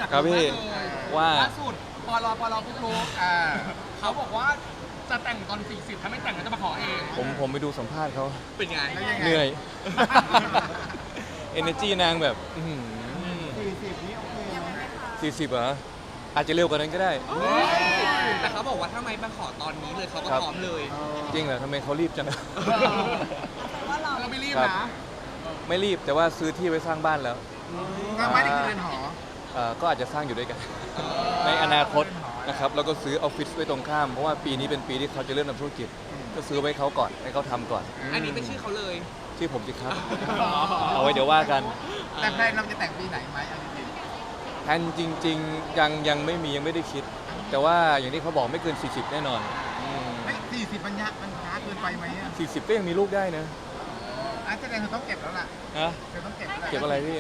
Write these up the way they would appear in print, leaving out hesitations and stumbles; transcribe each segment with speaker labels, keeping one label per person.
Speaker 1: ครับพี่ว่า
Speaker 2: ล่าสุดปลปุ๊กลุกเขาบอกว่าจะแต่งตอน40ถ้าไม่แต่งก็จะมาขอเอง
Speaker 1: ผมไปดูสัมภาษณ์เขา
Speaker 2: เป็นไง
Speaker 1: เหนื่อย energy นางแบบ
Speaker 3: 40นี่โอเคไหม
Speaker 1: 40เหรออาจจะเร็วกว่านั้นก็ได้
Speaker 2: แต่เขาบอกว่าถ้าไม่มาขอตอนนี้เลยเขาก็พร้อมเลย
Speaker 1: จริงเหรอทำไมเขารีบจัง
Speaker 2: เราไม่รีบ
Speaker 1: ครับ
Speaker 2: นะ
Speaker 1: ไม่รีบแต่ว่าซื้อที่ไว้สร้างบ้านแล้ว
Speaker 3: ก็ไม่ได้คือเรือนหอ
Speaker 1: ก็อาจจะสร้างอยู่ด้วยกัน ในอนาคตนะครับแล้วก็ซื้อออฟฟิศไว้ตรงข้ามเพราะว่าปีนี้เป็นปีที่เขาจะเริ่มทำธุรกิจก็ซื้อไว้เขาก่อนให้เขาทำก่อน
Speaker 2: อันนี้เป็นชื่อเขาเลย
Speaker 1: ที่ผมสิครับ เอาไว้เดี๋ยวว่ากัน
Speaker 3: แต่แพลนเราจะแต่งปีไหนไหมเอาจริง
Speaker 1: แทนจริงๆยังไม่มียังไม่ได้คิด แต่ว่าอย่างที่เขาบอกไม่เกิน 40 แน่นอน
Speaker 3: ๆไม่40มันช้าเกินไปไหมอ่ะ
Speaker 1: 40 ก็ยังมีลูกได้นะ
Speaker 3: แสดงเธอต้องเก็บแล้วล่ะ
Speaker 1: ฮะ
Speaker 3: เธอต้องเก็บแล้ว
Speaker 1: เก็บอะไรพี่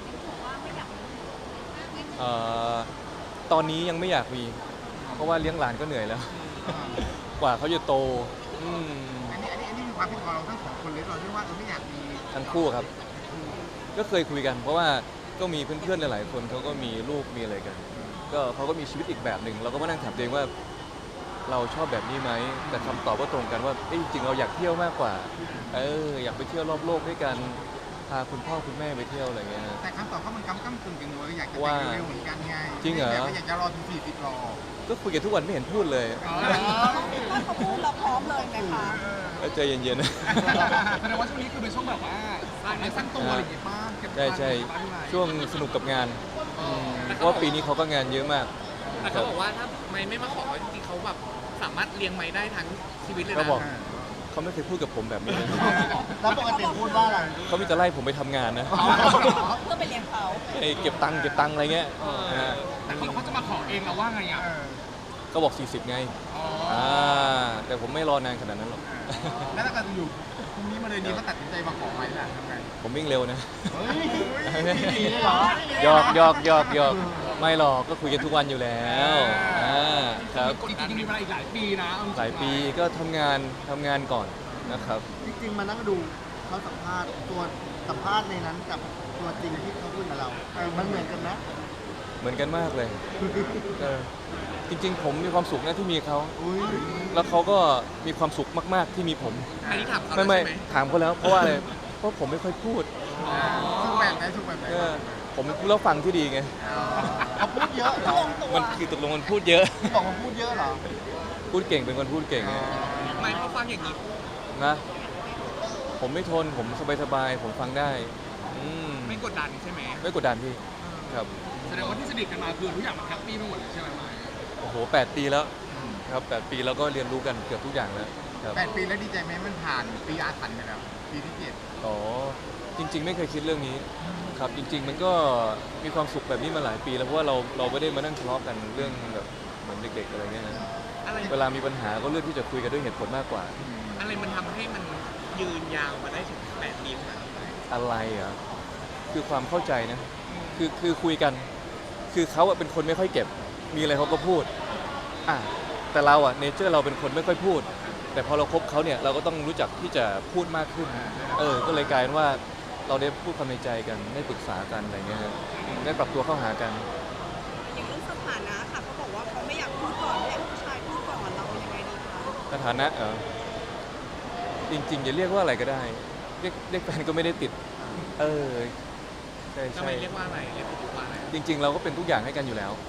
Speaker 1: ตอนนี้ยังไม่อยากมี เพราะว่าเลี้ยงหลานก็เหนื่อยแล้ว กว่าเขาจะโตอืม
Speaker 3: อันนี้มีความคิดของเราทั้งสองคนเลยเราที่ว่าไม่อยากมี
Speaker 1: ทั้งคู่ครับ ก็เคยคุยกัน เพราะว่าก็มีเพื่อนๆหลายๆคนเขาก็มีลูกมีอะไรกัน ก็เขาก็มีชีวิตอีกแบบหนึ่งเราก็มานั่งถามตัวเองว่า เราชอบแบบนี้ไหมแต่คำตอบก็ตรงกันว่าจริงๆเราอยากเที่ยวมากกว่าอยากไปเที่ยวรอบโลกด้วยกันพาคุณพ่อคุณแม่ไปเที่ยวอะไรเงี้ย
Speaker 3: แต่คำตอบเขามันก้ำกึ่งกันเลยอยากจะ
Speaker 1: ว่า
Speaker 3: แต่งเร็วเหมือนกันไง
Speaker 1: จริงเหรอ
Speaker 3: อยากจะรอถึง40รอ
Speaker 1: ก็คุยกันทุกวันไม่เห็นพูดเลย
Speaker 4: ถ้าเขาพูดเราพร้อมเลยไหมคะ
Speaker 1: ใจเย็นๆนะ
Speaker 2: แสดงว่าช่วงนี้คือเป็นช่วงแบบว่าสร้างเนื้อสร้างตัวอะไรอย่างเงี้ยป้าเก็บ
Speaker 1: ใช่ช่วงสนุกกับงานเพราะว่าปีนี้เขาก็งานเยอะมาก
Speaker 2: แต่เขาบอกว่าถ้าไม่มาขอจริงๆเขาแบบสามารถเลี้ยงไม้ได้ทั้งชีวิตเลยนะ
Speaker 1: เขาบอกเขาไม่เคยพูดกับผมแบบนี้เลย
Speaker 3: แล้วปกติพูดว่าอะไร
Speaker 1: เขามีแต่ไล่ผมไปทำงานนะ
Speaker 4: เพื่อไปเลี้ยงเขา
Speaker 1: ไอ้เก็บตังค์อะไรเงี้ยนะฮะ
Speaker 2: แต่เขาจะมาขอเองเราว่าไงอ่ะ
Speaker 1: ก็บอก 40 ไงแต่ผมไม่รอนานขนาดนั้นหรอก
Speaker 3: แล้วถ้าเกิดอยู่พรุ่งนี้มาเลยนี้เขาตัดสินใจมาขอไหมล่ะทำไง
Speaker 1: ผมวิ่งเร็วนะ
Speaker 3: เฮ้ยดีเลยเหรอ
Speaker 1: หยอกไม่หรอกก็คุยกันทุกวันอยู่แล้วครับ
Speaker 2: จริงๆมีเวลาอีกหลายปีนะเอจริงๆ
Speaker 1: หลายปีก็ทำงานก่อนนะครับ
Speaker 3: จริงๆมานั่งดูเขาสัมภาษณ์ตัวสัมภาษณ์ในนั้นกับตัวจริงที่เขาพูดกับเรามันเหมือนกันนะ
Speaker 1: เหมือนกันมากเลยจริงๆ ผมมีความสุขนะที่มีเขา
Speaker 3: อุ้ย
Speaker 1: แล้วเขาก็มีความสุขมากๆที่มีผม
Speaker 2: อันนี้ถามเขา
Speaker 1: ไม่
Speaker 2: ใช่ไหม
Speaker 1: ถามเขาแล้วเพราะว่าอะไรเพราะผมไม่ค่อยพูด
Speaker 3: สุกแบบไหนสุกแบบไหน
Speaker 1: ผมแล้วฟังที่ดีไง
Speaker 3: เขาพูดเยอะเหรอ
Speaker 1: มันคือตกลงมันพูดเยอะ
Speaker 3: บอกว่าพูดเยอะเหรอ
Speaker 1: พูดเก่งเป็นคนพูดเก่ง
Speaker 2: ไม่พอฟังอย่างนี้
Speaker 1: นะผมไม่ทนผมสบายๆผมฟังได้
Speaker 2: ไม่กดดันใช่ไหม
Speaker 1: ไม่กดดันพี่ครับ
Speaker 2: แสดงว่าที่สนิทกันมาคือทุกอย่างมันแฮปปี้ไปหมดเลยใช่ไหมไม่
Speaker 1: โอ้โห8 ปีแล้วครับ8 ปีแล้วก็เรียนรู้กันเกือบทุกอย่างแล้วครับ
Speaker 3: 8 ปีแล้วดีใจไหมมันผ่านปีอาถรรพ์ไปแล้วปีที่7
Speaker 1: อ๋อจริง ๆ ไม่เคยคิดเรื่องนี้ครับจริง ๆ มันก็มีความสุขแบบนี้มาหลายปีแล้วเพราะว่าเราไม่ได้มานั่งทะเลาะกันเรื่องแบบเหมือนเด็กๆอะไรเงี้ยนะ
Speaker 2: อะไร
Speaker 1: เวลามีปัญหาก็เลือกที่จะคุยกันด้วยเหตุผลมากกว่า
Speaker 2: อะไรมันทำให้มันยืนยาวมาได้ถึง8 ปีขนาดนี้
Speaker 1: อะไรอ่ะคือความเข้าใจนะคือคุยกันคือเขาเป็นคนไม่ค่อยเก็บมีอะไรเขาก็พูดแต่เราเนเจอร์เราเป็นคนไม่ค่อยพูด แต่พอเราคบเขาเนี่ยเราก็ต้องรู้จักที่จะพูดมากขึ้นก็เลยกลายเป็นว่าเราได้พูดความในใจกันได้ปรึกษากันอะไรเงี้ยฮะได้ปรับตัวเข้าหากัน
Speaker 4: อย่างเรื่องสถานะค่ะเขาบอกว่าเขาไม่อยากพูดก่อนไม่อยากผู้ชายพูดก่อนเรายังไงดีคะ
Speaker 1: สถานะจริงๆจะเรียกว่าอะไรก็ได้เรียกแฟนก็ไม่ได้ติดใช่
Speaker 2: ทำไมเรียกว่าอะไรเรียกว่าอะไร
Speaker 1: จริง ๆ เราก็เป็นทุกอย่างให้กันอยู่แล้ว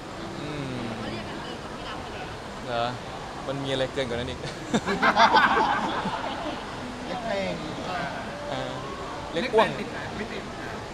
Speaker 1: เหรอมันมีอะไรเกินกว่านั้นอีก
Speaker 3: เล็กเพลง
Speaker 1: เรียกอ้วง
Speaker 2: ติดไหมไม่ติด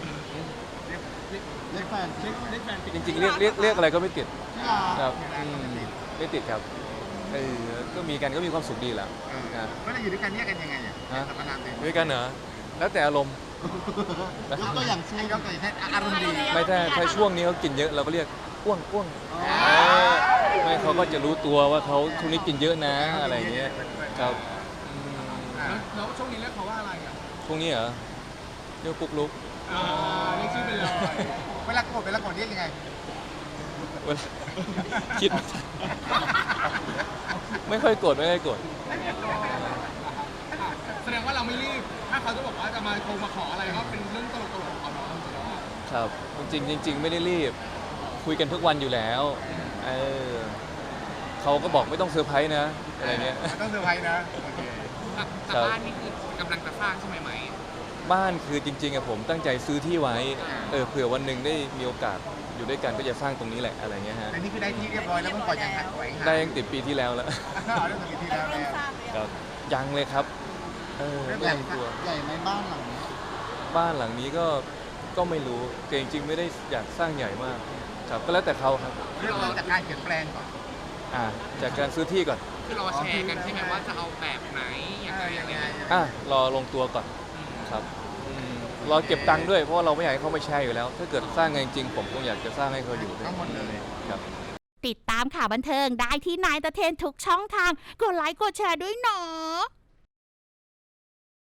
Speaker 3: เล็กแฟน
Speaker 2: เรียกแฟนติด
Speaker 1: จริงๆเรียกอะไรก็ไม่ติด
Speaker 3: ที่ลา
Speaker 1: ครับไม่ติดครับก็มีกันก็มีความสุขดีแหละ
Speaker 3: ก็จะอยู่ด้วยกันเนี่ยกันยังไงสรรพนามเต็ม
Speaker 1: ด้วยกันเหรอแล้วแต่อารมณ์
Speaker 3: ยกตัวอย่างเช่นยกตัวอย่างเช่นอารมณ์ดี
Speaker 1: ไม่ถ้าช่วงนี้เขากินเยอะเราก็เรียกอ้วงไม่เขาก็จะรู้ตัวว่าเขาช่วงนี้กินเยอะนะอะไรอย่างเงี้ยครับ
Speaker 2: แล้วช่วงนี้เรียกเขาว่าอะไรอ่ะ
Speaker 1: ช่วงนี้เหรอเรียกปุ๊กลุก
Speaker 2: เรียกชื่อไปเลย
Speaker 3: เวลาโกรธเรียกยังไง
Speaker 1: เวลาคิดไม่ค่อยโกรธไม่ค่อยโกรธ
Speaker 2: แสดงว่าเราไม่รีบ ถ้าเขาจะบอกว่าจะมาคงมาขออะไรก็เป็นเรื่องตลกๆของเขาเนาะ
Speaker 1: ครับจริงๆไม่ได้รีบคุยกันทุกวันอยู่แล้วเออเขาก็บอกไม่ต้องเซอร์ไพรส์นะอะไรเงี้ย
Speaker 3: มันต้องเซอร์ไพรส์นะโอเค
Speaker 2: แต่บ้านนี่คือกำลังจะสร้างใช่ไหมไหม
Speaker 1: บ้านคือจริงๆอะผมตั้งใจซื้อที่ไว้เผื่อวันหนึ่งได้มีโอกาสอยู่ด้วยกันก็จะสร้างตรงนี้แหละอะไรเงี้ยฮะ
Speaker 3: แต่นี่คือได้ที่เรียบร้อยแล้วเพิ่งปล่อยยังหักไว้ค่ะ
Speaker 1: ได้ตั้งแต่ปีที่แล้วแล้ว
Speaker 3: เอาเรื่องของปีที่แล้ว
Speaker 4: เริ่ม
Speaker 3: แล้ว
Speaker 4: สร้างเลย
Speaker 1: ครับยังเลยครับไม่
Speaker 3: ใหญ่
Speaker 1: ลงตัว
Speaker 3: ใหญ่ไหมบ้านหลังนี้
Speaker 1: บ้านหลังนี้ก็ไม่รู้แต่จริงๆไม่ได้อยากสร้างใหญ่มากครับก็แล้วแต่เขาครับ
Speaker 3: เริ่มจากการเปลี่ยนแปลงก่อน
Speaker 1: จากการซื้อที่ก่อน
Speaker 2: คือรอแชร์กันใช่ไหมว่าจะเอาแบบไหนยังไงยังไง
Speaker 1: รอลงตัวก่อนครับรอเก็บตังค์ด้วยเพราะว่าเราไม่อยากให้เขามาแชร์อยู่แล้ว ถ้าเกิดสร้างกันจริงๆผมคงอยากจะสร้างให้เขาอยู่ด้วย
Speaker 3: ทั้งหมดเลย
Speaker 1: ครับ
Speaker 5: ติดตามข่าวบันเทิงได้ที่นายตะเทนทุกช่องทาง กดไลค์กดแชร์ด้วยเนาะ